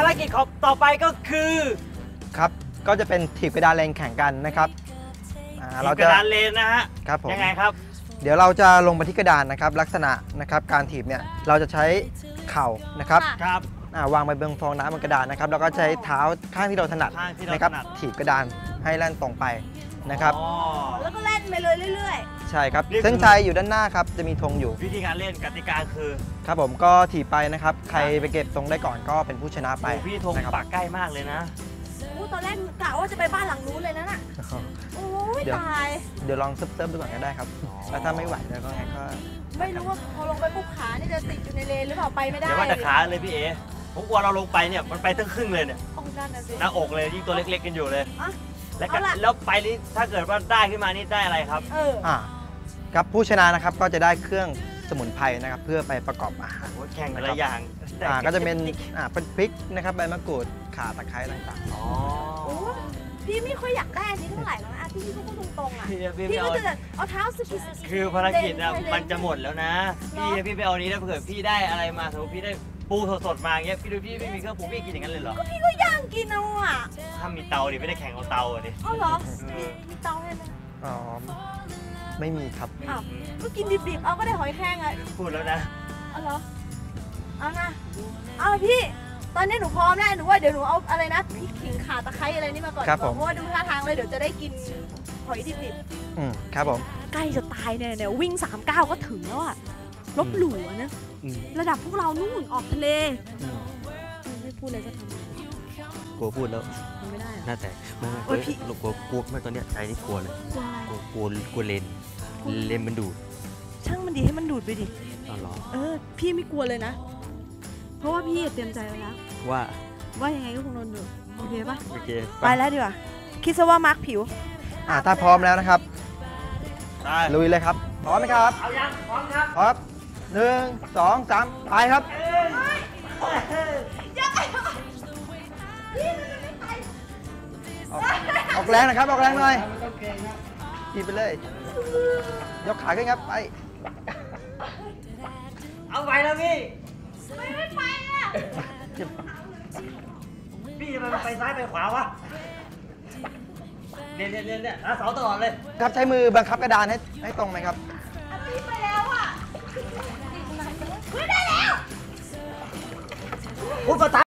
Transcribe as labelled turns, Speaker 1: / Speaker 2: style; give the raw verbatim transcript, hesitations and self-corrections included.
Speaker 1: ารกิจของต่อไปก็คือ
Speaker 2: ครับก็จะเป็นถีบกระดานเลนแข่งกันนะครับ
Speaker 1: เราจะกระดานเลนนะฮะ
Speaker 2: ครับผม
Speaker 1: ยังไงครับ
Speaker 2: เดี๋ยวเราจะลงไปที่กระดานนะครับลักษณะนะครับการถีบเนี่ยเราจะใช้เข่านะครับ
Speaker 1: ครับ
Speaker 2: วางไปบนฟองน้ำบนกระดานนะครับแล้วก็ใช้เท้าข้างที่เราถนัดนะครับถีบกระดานให้แล่นตรงไปนะครับ
Speaker 3: แล้วก็เล่นไปเลยเรื่อย
Speaker 2: ๆใช่ครับเส้นชัยอยู่ด้านหน้าครับจะมีธงอยู่
Speaker 1: วิธีการเล่นกติกาคือ
Speaker 2: ครับผมก็ถีบไปนะครับใครไปเก็บธงได้ก่อนก็เป็นผู้ชนะไป
Speaker 1: พี่ธงปักใกล้มากเลยนะ
Speaker 3: ตอนแรกกะว่าจะไปบ้านหลังนู้นเลยนะน่ะโอ้ยตาย
Speaker 2: เดี๋ยวลองเซิร์ฟๆดูก่อนก็ได้ครับแล้วถ้าไม่ไหวแล้วก็ก็
Speaker 3: ไม่รู้ว่าพอลงไปปุ๊บขานี่จะติดอยู่ในเลนหรือเปล่าไปไม่ได้
Speaker 1: เดี๋ยวว่าแต่ขาเลยพี่เอผมกลัวเราลงไปเนี่ยมันไปตั้งครึ่งเลยเนี่ยหน้าอกเลยยิ่งตัวเล็กๆกันอยู่เลยแล้วแล้วไปนี่ถ้าเกิดว่าได้ขึ้นมานี่ได้อะไรครับ
Speaker 3: เออ
Speaker 2: อ่าครับผู้ชนะนะครับก็จะได้เครื่องสมุนไพรนะครับเพื่อไปประกอบอาหาร
Speaker 1: แข่งอะไรอย่าง
Speaker 2: อ่าก็จะเป็นอ่าเป็นพริกนะครับใบมะกรูดข่าตะไคร้ต่างๆ
Speaker 1: อ๋อ
Speaker 3: พี่ไม่ค่อยอยากได้อันนี้เท่าไหร่แล้วนะพี่พี่พูดตรงๆอ่ะพี่ก็จะเอาเท้าสกิส
Speaker 1: คือภารกิจอ่ะมันจะหมดแล้วนะพี่พี่ไปเอานี้ถ้าเกิดพี่ได้อะไรมาสมมติพี่ได้ปูสดๆมาเงี้ยพี่ดูพี่ไม่มีเครื่องปรุงพี่กินอย่างนั้นเลยเหรอ
Speaker 3: ก็พี่ก็ย่างกินเอาอ่ะ
Speaker 1: ถ้ามีเตาดิไม่ได้แข่งเอาเตาดิ
Speaker 3: อ๋อเหรอมีเตาให้ไหม
Speaker 2: อ๋อไม่มีครับ
Speaker 3: อ้าวก็กินดิบๆเอาก็ได้หอยแครงไง
Speaker 1: พูดแล้วนะ
Speaker 3: เอาเหรอเอานะเอาพี่ตอนนี้หนูพร้อมแล้วหนูว่าเดี๋ยวหนูเอาอะไรนะพริกขิงข่าตะไคร้อะไรนี่มาก่อนเพราะว่าดูท่าทางเลยเดี๋ยวจะได้กินหอยดิบ
Speaker 2: ๆอืมครับผม
Speaker 3: ใกล้จะตายเนี่ยเนี่ยวิ่งสามเก้าก็ถึงแล้วอ่ะลบหลู่นะระดับพวกเรานู่นออกทะเลไม่พูดเลยจะทำ
Speaker 4: กลัวพูดแล้ว
Speaker 3: ไม่ได้
Speaker 4: น่าแต่ไม่ไม่พี่กลัวกลัวไม่ตอนเนี้ยใจนี่กลัวเลยกลัวกลัวกลัวเลนเลนมันดูด
Speaker 3: ช่างมันดีให้มันดูดไปดิ
Speaker 4: อ๋อเหรอ
Speaker 3: เออพี่ไม่กลัวเลยนะเพราะว่าพี่เตรียมใจไว้แล้ว
Speaker 4: ว่า
Speaker 3: ว่ายังไงก็คงโดนดูดโอเคปะ
Speaker 4: โอเค
Speaker 3: ไปแล้วดีกว่าคิดซะว่ามาร์คผิว
Speaker 2: อ่าถ้าพร้อมแล้วนะครับลุยเลยครับพร้อมไหมครับ
Speaker 1: เอายังพร้อมครับ
Speaker 2: พร้อมหนึ่งสองสามไปครับออกแรงนะครับออกแรงหน่อยขี่ไปเลยยกขาขึ้นครับไป
Speaker 1: เอาไปแล้วพี่
Speaker 3: ไม่ไปอ่ะ
Speaker 1: พี่จะไปซ้ายไปขวาวะเนี่ยเนี่ยเนี่ยเนี่ยเสาตลอดเลย
Speaker 2: ครับใช้มือบังคับกระดานให้ให้ตรงไหมครับ
Speaker 3: พี่ไปแล้วอ่ะไม่ได้แล้ว
Speaker 1: พูดภาษา